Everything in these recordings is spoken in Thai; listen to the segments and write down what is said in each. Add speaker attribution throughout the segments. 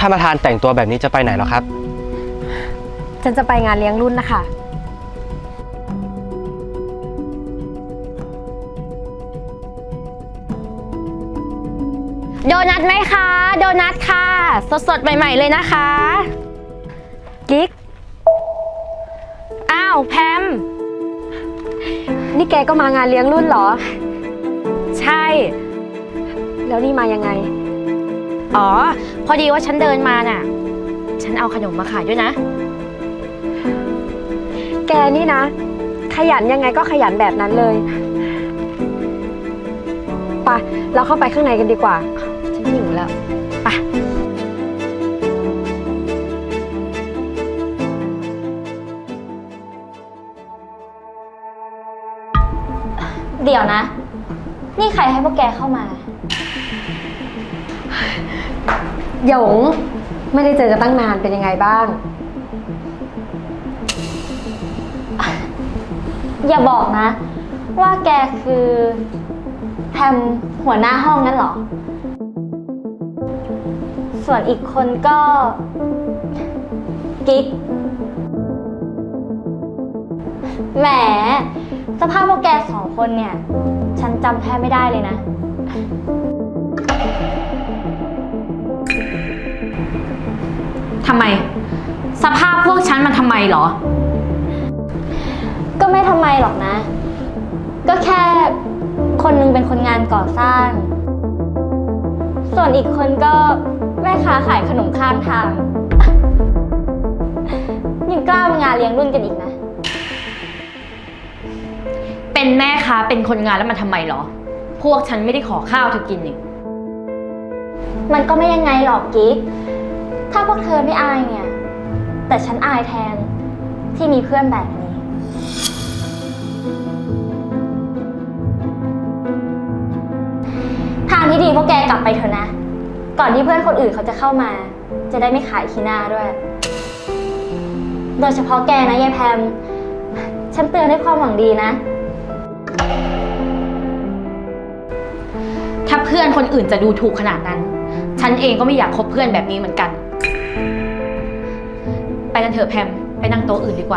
Speaker 1: ท่านประธานแต่งตัวแบบนี้จะไปไหนหรอครับ
Speaker 2: ฉันจะไปงานเลี้ยงรุ่นนะคะ
Speaker 3: โดนัทไหมคะโดนัทค่ะสดๆใหม่ๆเลยนะคะ
Speaker 2: กิ๊ก
Speaker 3: อ้าวแพม
Speaker 2: นี่แกก็มางานเลี้ยงรุ่นเหรอ
Speaker 3: ใช่
Speaker 2: แล้วนี่มายังไง
Speaker 3: อ๋อพอดีว่าฉันเดินมาน่ะฉันเอาขนมมาขายด้วยนะ
Speaker 2: แกนี่นะขยันยังไงก็ขยันแบบนั้นเลยไปเราเข้าไปข้างในกันดีกว่าฉันหิวแล้ว
Speaker 3: ไปเดี๋ยวนะนี่ใครให้พวกแกเข้ามา
Speaker 2: หยงไม่ได้เจอกันตั้งนานเป็นยังไงบ้าง
Speaker 3: อย่าบอกนะว่าแกคือแพมหัวหน้าห้องนั่นเหรอส่วนอีกคนก็กิ๊กแหมสภาพพวกแกสองคนเนี่ยฉันจำแทบไม่ได้เลยนะทำไมสภาพพวกฉันมันทำไมเหรอก็ไม่ทำไมหรอกนะก็แค่คนนึงเป็นคนงานก่อสร้างส่วนอีกคนก็แม่ค้าขายขนมข้างทางยังกล้ามางานเลี้ยงรุ่นกันอีกนะเป็นแม่ค้าเป็นคนงานแล้วมันทำไมเหรอพวกฉันไม่ได้ขอข้าวเธอกินนี่มันก็ไม่ยังไงหรอกกิ๊กถ้าพวกเธอไม่อายเนี่ยแต่ฉันอายแทนที่มีเพื่อนแบบนี้ทางที่ดีพวกแกกลับไปเถอะนะก่อนที่เพื่อนคนอื่นเขาจะเข้ามาจะได้ไม่ขายขี้หน้าด้วยโดยเฉพาะแกนะยายแพมฉันเตือนด้วยความหวังดีนะถ้าเพื่อนคนอื่นจะดูถูกขนาดนั้นฉันเองก็ไม่อยากคบเพื่อนแบบนี้เหมือนกันไปกันเถอะแพมไปนั่งโต๊ะอื่นดีกว่า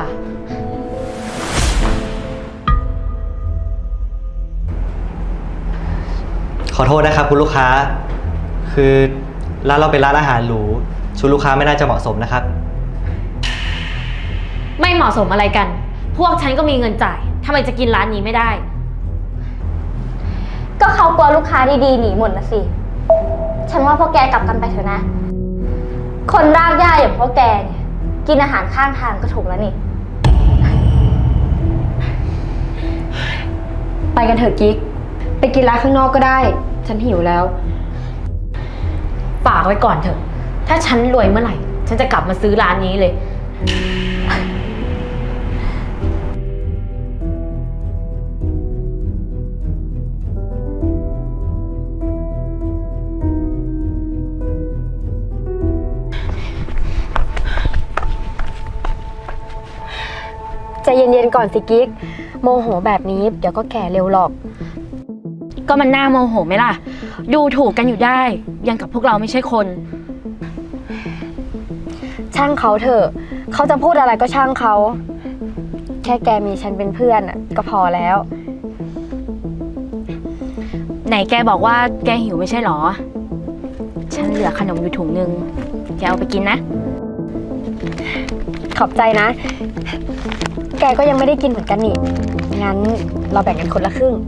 Speaker 4: ขอโทษนะครับคุณลูกค้าคือร้านเราเป็นร้านอาหารหรูชุดลูกค้าไม่น่าจะเหมาะสมนะครับ
Speaker 3: ไม่เหมาะสมอะไรกันพวกฉันก็มีเงินจ่ายทำไมจะกินร้านนี้ไม่ได้ก็เขากลัวลูกค้าดีๆหนีหมดนะสิฉันว่าพวกแกกลับกันไปเถอะนะคนรากหญ้าอย่างพวกแกเนี่ยกินอาหารข้างทางก็ถูกแล้วนี่
Speaker 2: ไปกันเถอะกิ๊กไปกินร้านข้างนอกก็ได้ฉันหิวแล้ว
Speaker 3: ฝากไว้ก่อนเถอะถ้าฉันรวยเมื่อไหร่ฉันจะกลับมาซื้อร้านนี้เลย
Speaker 2: ใจเย็นๆก่อนสิกิ๊กโมโหแบบนี้เดี๋ยวก็แก่เร็วหรอก
Speaker 3: ก็มันน่าโมโหไหมล่ะดูถูกกันอยู่ได้ยังกับพวกเราไม่ใช่คน
Speaker 2: ช่างเขาเถอะเขาจะพูดอะไรก็ช่างเขาแค่แกมีฉันเป็นเพื่อนก็พอแล้ว
Speaker 3: ไหนแกบอกว่าแกหิวไม่ใช่หรอฉันเหลือขนมอยู่ถุงนึงแกเอาไปกินนะ
Speaker 2: ขอบใจนะแกก็ยังไม่ได้กินเหมือนกันนี่งั้นเราแบ่งกันคนละครึ่ง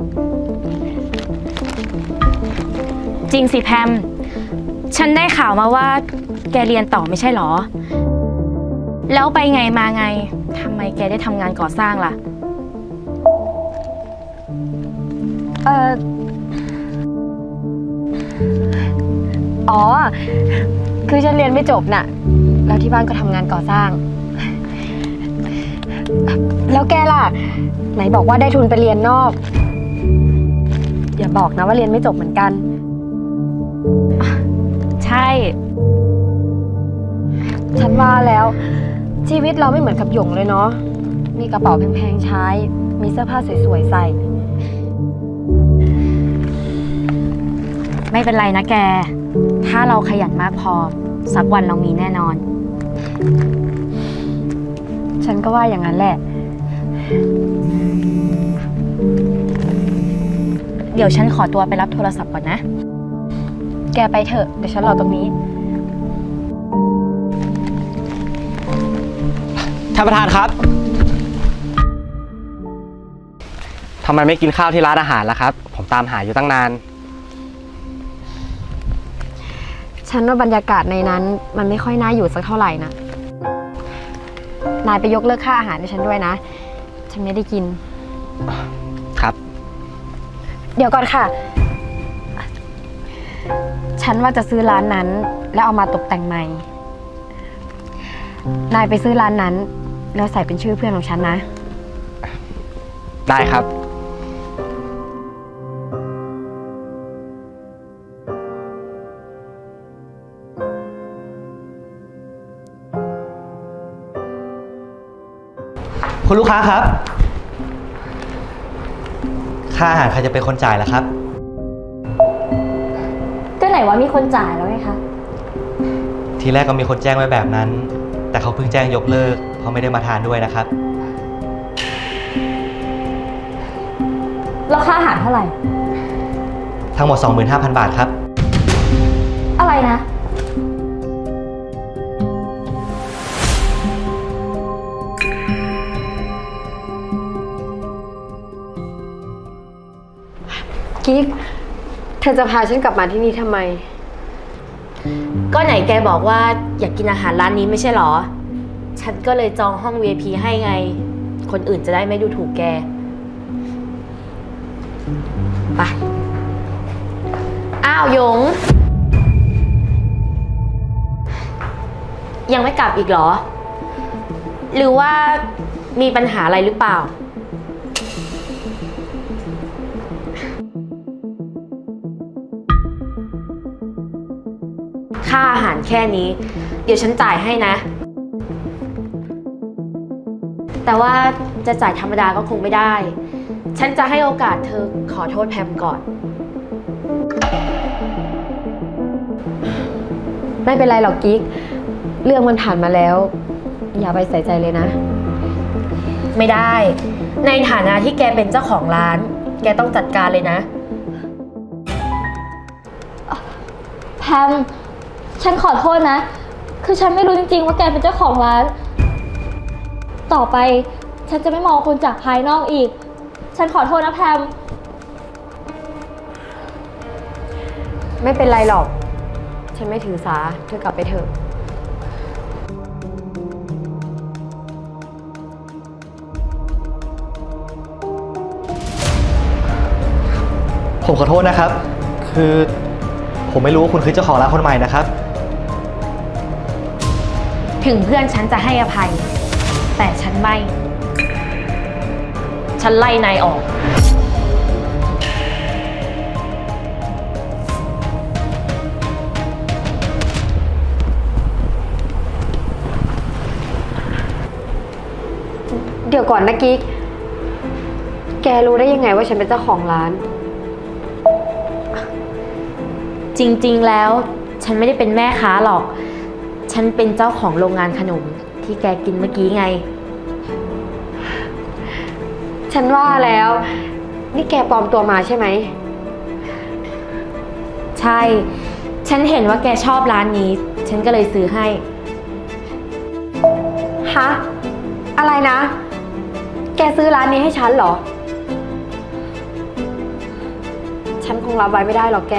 Speaker 3: จริงสิแพมฉันได้ข่าวมาว่าแกเรียนต่อไม่ใช่หรอแล้วไปไงมาไงทำไมแกได้ทำงานก่อสร้างล่ะ
Speaker 2: อ๋อคือฉันเรียนไม่จบน่ะแล้วที่บ้านก็ทำงานก่อสร้างแล้วแกล่ะไหนบอกว่าได้ทุนไปเรียนนอกอย่าบอกนะว่าเรียนไม่จบเหมือนกัน
Speaker 3: ใช่
Speaker 2: ฉันว่าแล้วชีวิตเราไม่เหมือนกับหยงเลยเนาะมีกระเป๋าแพงๆใช้มีเสื้อผ้าสวยๆใส่
Speaker 3: ไม่เป็นไรนะแกถ้าเราขยันมากพอสักวันเรามีแน่นอน
Speaker 2: ฉันก็ว่าอย่างนั้นแหละ
Speaker 3: เดี๋ยวฉันขอตัวไปรับโทรศัพท์ก่อนนะ
Speaker 2: แกไปเถอะ เดี๋ยวฉันรอตรงนี้
Speaker 1: ท่านประธานครับ ทำไมไม่กินข้าวที่ร้านอาหารล่ะครับ ผมตามหาอยู่ตั้งนาน
Speaker 2: ฉันว่าบรรยากาศในนั้นมันไม่ค่อยน่าอยู่สักเท่าไหร่นะนายไปยกเลิกค่าอาหารให้ฉันด้วยนะ ฉันไม่ได้กิน
Speaker 1: ครับ
Speaker 2: เดี๋ยวก่อนค่ะ ฉันว่าจะซื้อร้านนั้น แล้วเอามาตกแต่งใหม่ นายไปซื้อร้านนั้น แล้วใส่เป็นชื่อเพื่อนของฉันนะ
Speaker 1: ได้ครับ
Speaker 4: คุณลูกค้าครับ ค่าอาหารใครจะเป็นคนจ่ายล่ะครับ
Speaker 3: ก็ไหนว่ามีคนจ่ายแล้วไงคะ
Speaker 4: ทีแรกก็มีคนแจ้งไว้แบบนั้น แต่เขาเพิ่งแจ้งยกเลิกเพราะไม่ได้มาทานด้วยนะครับ
Speaker 3: แล้วค่าอาหารเท่าไหร่
Speaker 4: ทั้งหมด 25,000 บาทครับ
Speaker 3: อะไรนะ
Speaker 2: กิ๊ก เธอจะพาฉันกลับมาที่นี่ทำไม
Speaker 3: ก็ไหนแกบอกว่าอยากกินอาหารร้านนี้ไม่ใช่หรอ ฉันก็เลยจองห้อง VIP ให้ไง คนอื่นจะได้ไม่ดูถูกแก ไป อ้าวหยง ยังไม่กลับอีกเหรอ หรือว่ามีปัญหาอะไรหรือเปล่า ค่าอาหารแค่นี้ เดี๋ยวฉันจ่ายให้นะ แต่ว่าจะจ่ายธรรมดาก็คงไม่ได้ ฉันจะให้โอกาสเธอขอโทษแพมก่อน
Speaker 2: ไม่เป็นไรหรอกกิ๊ก เรื่องมันผ่านมาแล้ว อย่าไปใส่ใจเลยนะ
Speaker 3: ไม่ได้ ในฐานะที่แกเป็นเจ้าของร้าน แกต้องจัดการเลยนะ
Speaker 5: แพม ฉันขอโทษนะ คือฉันไม่รู้จริงๆว่าแกเป็นเจ้าของร้าน ต่อไปฉันจะไม่มองคนจากภายนอกอีก ฉันขอโทษนะแพม
Speaker 2: ไม่เป็นไรหรอก ฉันไม่ถือสา เธอกลับไปเถอะ
Speaker 4: ผมขอโทษนะครับ คือผมไม่รู้ว่าคุณคือเจ้าของร้านคนใหม่นะครับ
Speaker 3: ถึงเพื่อนฉันจะให้อภัย แต่ฉันไม่ ฉันไล่นายออก
Speaker 2: เดี๋ยวก่อนนะกิ๊ก แกรู้ได้ยังไงว่าฉันเป็นเจ้าของร้าน
Speaker 3: จริงๆ แล้วฉันไม่ได้เป็นแม่ค้าหรอก ฉันเป็นเจ้าของโรงงานขนมที่แกกินเมื่อกี้ไง
Speaker 2: ฉันว่าแล้ว นี่แกปลอมตัวมาใช่ไหม
Speaker 3: ใช่ ฉันเห็นว่าแกชอบร้านนี้ ฉันก็เลยซื้อให้
Speaker 2: ฮะ อะไรนะ แกซื้อร้านนี้ให้ฉันเหรอ ฉันคงรับไว้ไม่ได้หรอกแก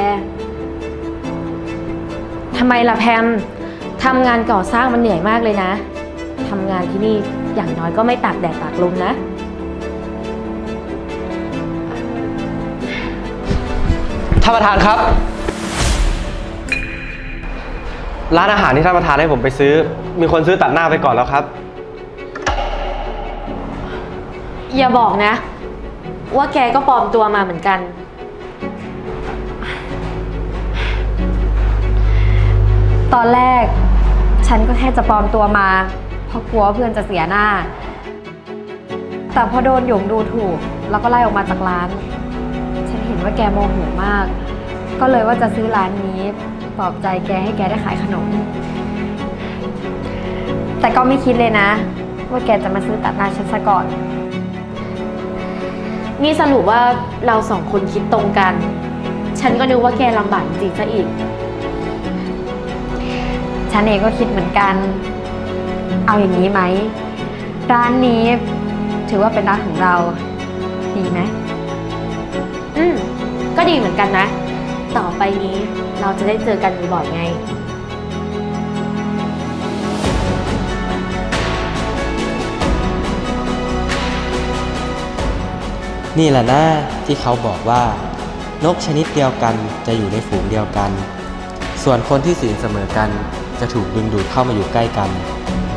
Speaker 3: ทำไมล่ะแพม ทำงานก่อสร้างมันเหนื่อยมากเลยนะ ทำงานที่นี่อย่างน้อยก็ไม่ตากแดดตากลมนะ
Speaker 1: ท่านประธานครับ ร้านอาหารที่ท่านประธานให้ผมไปซื้อ มีคนซื้อตัดหน้าไปก่อนแล้วครับ
Speaker 3: อย่าบอกนะ ว่าแกก็ปลอมตัวมาเหมือนกัน
Speaker 2: ตอนแรก ฉันก็แค่จะปลอมตัวมา เพราะกลัวว่าเพื่อนจะเสียหน้า แต่พอโดนหยงดูถูก แล้วก็ไล่ออกมาจากร้าน ฉันเห็นว่าแกโมโหมาก ก็เลยว่าจะซื้อร้านนี้ลอบใจแกให้แกได้ขายขนม แต่ก็ไม่คิดเลยนะ ว่าแกจะมาซื้อตัดหน้าฉันซะก่อน
Speaker 3: นี่สรุปว่าเราสองคนคิดตรงกัน ฉันก็นึกว่าแกลำบากจริงๆซะอีก
Speaker 2: ฉันเองก็คิดเหมือนกัน เอาอย่างนี้ไหม ร้านนี้ถือว่าเป็นร้านของเรา ดีไหม
Speaker 3: ก็ดีเหมือนกันนะ ต่อไปนี้เราจะได้เจอกันบ่อยๆไง
Speaker 6: นี่แหละนะที่เขาบอกว่านกชนิดเดียวกันจะอยู่ในฝูงเดียวกัน ส่วนคนที่ศีลเสมอกันจะถูกดึงดูดเข้ามาอยู่ใกล้กัน